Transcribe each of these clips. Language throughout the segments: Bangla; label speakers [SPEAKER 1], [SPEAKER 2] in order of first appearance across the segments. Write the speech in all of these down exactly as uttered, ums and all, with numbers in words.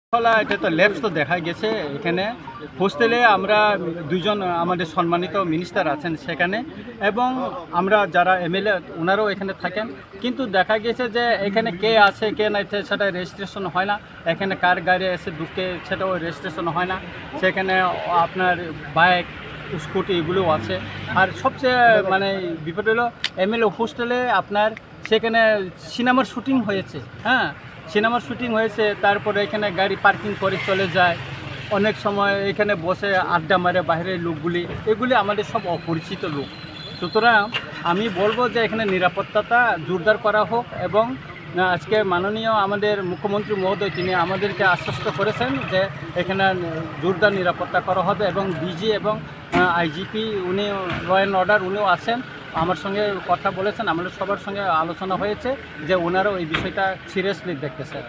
[SPEAKER 1] ফলা এটা তো ল্যাবস তো দেখা গেছে এখানে হোস্টেলে আমরা দুইজন আমাদের সম্মানিত মিনিস্টার আছেন সেখানে এবং আমরা যারা এমএলএ ওনারাও এখানে থাকেন, কিন্তু দেখা গেছে যে এখানে কে আছে কে নাই সেটা রেজিস্ট্রেশন হয় না। এখানে কার গাড়ি এসে ঢুকে সেটাও রেজিস্ট্রেশন হয় না। সেখানে আপনার বাইক স্কুটি এগুলোও আছে। আর সবচেয়ে মানে বিপদ হলো এমএলএ হোস্টেলে আপনার সেখানে সিনেমার শুটিং হয়েছে। হ্যাঁ, সিনেমার শুটিং হয়েছে, তারপরে এখানে গাড়ি পার্কিং করে চলে যায়। অনেক সময় এখানে বসে আড্ডা মারে বাইরের লোকগুলি, এগুলি আমাদের সব অপরিচিত লোক। সুতরাং আমি বলবো যে এখানে নিরাপত্তাটা জোরদার করা হোক এবং আজকে মাননীয় আমাদের মুখ্যমন্ত্রী মহোদয় তিনি আমাদেরকে আশ্বস্ত করেছেন যে এখানে জোরদার নিরাপত্তা করা হবে এবং ডিজি এবং আইজিপি উনি ল অ্যান্ড অর্ডার উনিও আছেন, আমার সঙ্গে কথা বলেছেন। আমাদের সবার সঙ্গে আলোচনা হয়েছে যে ওনারাও এই বিষয়টা সিরিয়াসলি দেখতেছে।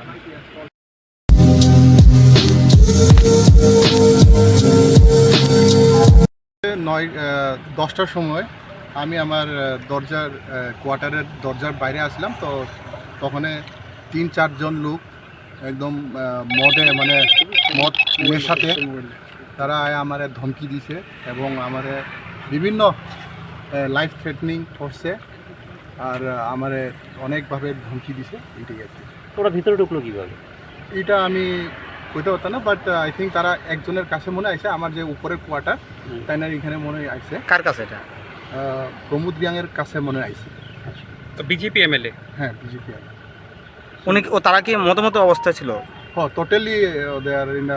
[SPEAKER 2] নয় দশটার সময় আমি আমার দরজার কোয়ার্টারের দরজার বাইরে আসলাম, তো তখন তিন চারজন লোক একদম মদে মানে মদ নেশাতে তারা আমার ধমকি দিছে এবং আমার বিভিন্ন লাইফ থ্রেটনিং করছে আর আমার অনেকভাবে ধমকি দিছে। এইটাই আর কি।
[SPEAKER 3] ওরা ভিতরে ঢুকলো কীভাবে
[SPEAKER 2] এটা আমি কইতে পারতাম না, বাট আই থিঙ্ক তারা একজনের কাছে মনে আইছে, আমার যে উপরের কোয়ার্টার তাই না এখানে মনে আইছে।
[SPEAKER 3] কার কাছে এটা?
[SPEAKER 2] প্রমোদ রিয়াংয়ের কাছে মনে আইছে।
[SPEAKER 3] তো বিজেপি এমএলএ?
[SPEAKER 2] হ্যাঁ, বিজেপি।
[SPEAKER 3] উনি ও তারা কি মতো অবস্থা ছিল?
[SPEAKER 2] হ্যাঁ, টোটালি দে আর ইন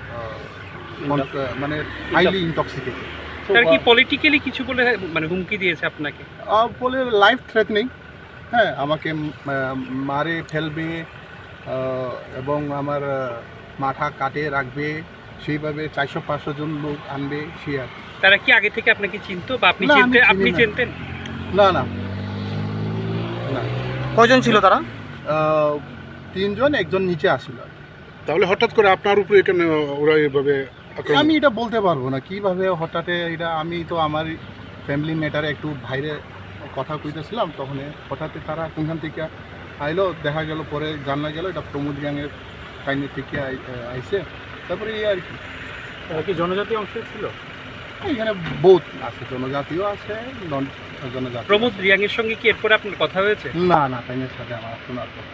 [SPEAKER 2] মানে হাইলি ইনটক্সিকেটেড।
[SPEAKER 4] তার কি পলিটিক্যালি কিছু বলে মানে হুমকি দিয়েছে আপনাকে?
[SPEAKER 2] বলে লাইফ থ্রেটনিং, হ্যাঁ আমাকে মারে ফেলবে এবং আমার মাথা কাটে রাখবে, সেইভাবে চারশো পাঁচশো জন লোক আনবে সে আর।
[SPEAKER 4] তারা কি আগে থেকে আপনাকে চিনতো বা আপনি চিনতেন? আপনি চিনতেন?
[SPEAKER 2] না না না।
[SPEAKER 3] কয়জন ছিল তারা?
[SPEAKER 2] তিনজন, একজন নিচে আসছিল।
[SPEAKER 5] তাহলে হঠাৎ করে আপনার উপরে কেন ওরা এইভাবে?
[SPEAKER 2] আমি এটা বলতে পারবো না কিভাবে হঠাৎ এটা। আমি তো আমার ফ্যামিলি ম্যাটারে একটু বাইরে কথা কইতেছিলাম, তখন হঠাৎ তারা কোনখান থেকে আইলো, দেখা গেল পরে জানা গেল এটা প্রমোদ রিয়াংয়ের কাহিনী থেকে আইছে। তারপরে এই আর কি।
[SPEAKER 1] কি জনজাতীয় অংশ ছিল
[SPEAKER 2] এখানে? বহুত আছে, জনজাতিও আছে, নন জনজাতি।
[SPEAKER 4] প্রমোদ রিয়াংয়ের সঙ্গে কি এরপরে আপনার কথা হয়েছে?
[SPEAKER 2] না না, তাইনের সাথে আমার শোনার কথা।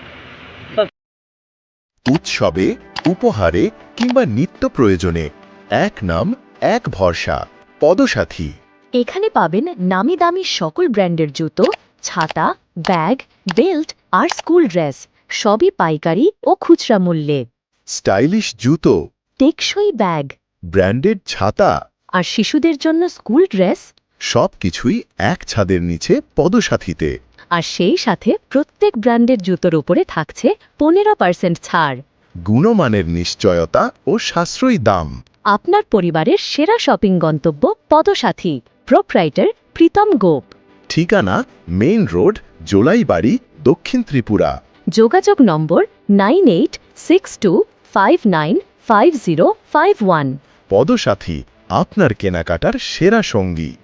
[SPEAKER 6] উৎসবে, উপহারে কিংবা নিত্য প্রয়োজনে এক নাম এক ভরসা, পদসাথী।
[SPEAKER 7] এখানে পাবেন নামি দামি সকল ব্র্যান্ডের জুতো, ছাতা, ব্যাগ, বেল্ট আর স্কুল ড্রেস, সবই পাইকারি ও খুচরা মূল্যে।
[SPEAKER 6] স্টাইলিশ জুতো,
[SPEAKER 7] টেকসই ব্যাগ,
[SPEAKER 6] ব্র্যান্ডেড ছাতা
[SPEAKER 7] আর শিশুদের জন্য স্কুল ড্রেস,
[SPEAKER 6] সবকিছুই এক ছাদের নিচে পদসাথীতে।
[SPEAKER 7] আর সেই সাথে প্রত্যেক ব্র্যান্ডের জুতোর উপরে থাকছে পনেরো পার্সেন্ট ছাড়।
[SPEAKER 6] গুণমানের নিশ্চয়তা ও সাশ্রয়ী দাম।
[SPEAKER 7] আপনার পরিবারের সেরা শপিং গন্তব্য পদসাথী। প্রোপ্রাইটার প্রীতম গোপ।
[SPEAKER 6] ঠিকানা মেইন রোড, জোলাইবাড়ি, দক্ষিণ ত্রিপুরা।
[SPEAKER 7] যোগাযোগ number nine eight six two five nine five zero five one.
[SPEAKER 6] Padasathi, আপনার কেনাকাটার সেরা সঙ্গী।